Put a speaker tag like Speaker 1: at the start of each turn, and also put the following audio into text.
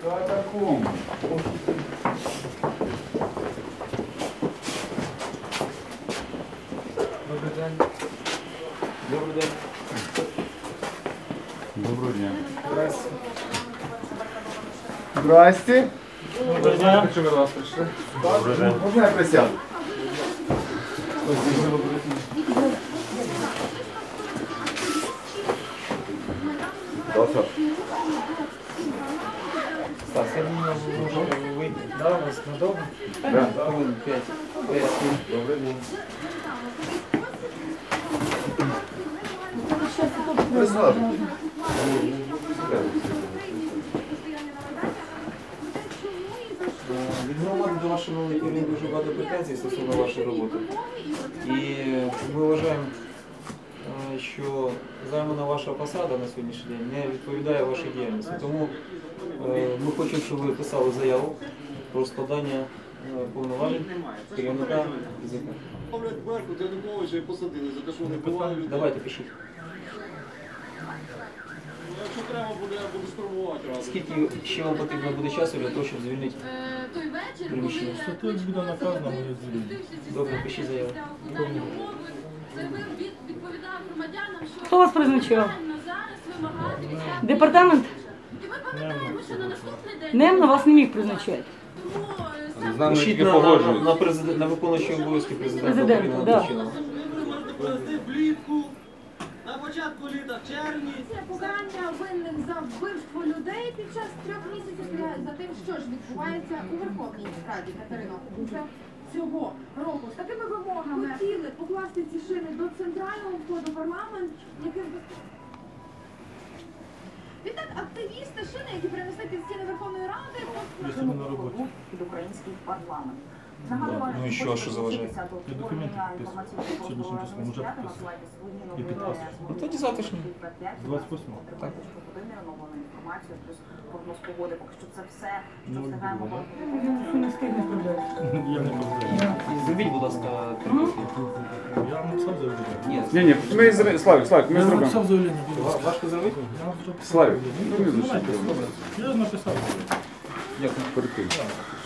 Speaker 1: Катакомб.
Speaker 2: Добрий день. Добрий день.
Speaker 1: Доброго дня.
Speaker 2: Здрасте.
Speaker 1: Здрасте.
Speaker 2: Добрий день. Чому ви до вас прийшли?
Speaker 1: Добрий день. Можна я присяду? Стас,
Speaker 2: Стас, я думаю, ви можете вийти. Да, у вас надовго?
Speaker 1: Да.
Speaker 2: Хвилин 5.
Speaker 1: добрий день. Присаджуйтесь.
Speaker 2: Від громади до вашого нового керівника дуже багато претензій стосовно вашої роботи. І ми вважаємо, що займана ваша посада на сьогоднішній день не відповідає вашій діяльності. Тому ми хочемо, щоб ви писали заяву про складання повноважень керівника ЗК.
Speaker 3: Януковича і посадили за те, що вони бували людей.
Speaker 2: Давайте пишіть.
Speaker 3: Якщо треба буде, я буду спробувати разом.
Speaker 2: Скільки ще вам потрібно буде часу для того, щоб звільнити приміщення?
Speaker 4: Тут буде наказано, ми звільнимо.
Speaker 2: Добре, пишіть заяву.
Speaker 5: Відповідав громадянам, що
Speaker 6: Хто вас призначав?
Speaker 5: реально зараз вимагатиметься.
Speaker 6: Департамент
Speaker 5: І ми пам'ятаємо, що на наступний день
Speaker 6: Немно вас не міг призначати.
Speaker 5: тому
Speaker 2: Пишіть на виконуючі обов'язки президента
Speaker 6: Президента,
Speaker 2: України
Speaker 6: да.
Speaker 2: Андрійчина.
Speaker 3: Ви можете провести влітку, на початку літа, в червні.
Speaker 7: Це покарання винних за вбивство людей під час 3 місяців за тим, що ж відбувається у Верховній Раді, Катерино. Уже цього року. З такими вимогами хотіли покласти ці шини до центрального входу в парламент, яким відтак активісти шини, які принесли під стіни Верховної Ради,
Speaker 4: Якщо ми на роботі.
Speaker 8: під український парламент.
Speaker 2: Ну і що заважає?
Speaker 4: Я документи підписую. Сьогоднішнім числом вже підписую. І підписую.
Speaker 2: Ну тоді завтрашній.
Speaker 4: 28-го.
Speaker 2: Так.
Speaker 8: Інформацію, плюс прогноз погоди, поки що це все, що
Speaker 4: Ну,
Speaker 8: встигаємо.
Speaker 4: буде,
Speaker 6: Не встигне продати.
Speaker 4: Я не розумію.
Speaker 2: І зробіть, будь ласка,
Speaker 4: Я написав заявлення.
Speaker 2: Ні,
Speaker 1: Ні, ми Славік, ми
Speaker 4: Я
Speaker 2: Ну,
Speaker 1: зробимо.
Speaker 4: написав заявлення. будь ласка.
Speaker 2: важко зробити?
Speaker 4: Я вже
Speaker 1: Славік,
Speaker 4: написав
Speaker 1: ну, не
Speaker 4: заявлення.
Speaker 1: зачіпуємо.
Speaker 4: Я написав.
Speaker 2: Дякую.
Speaker 1: Перед тим.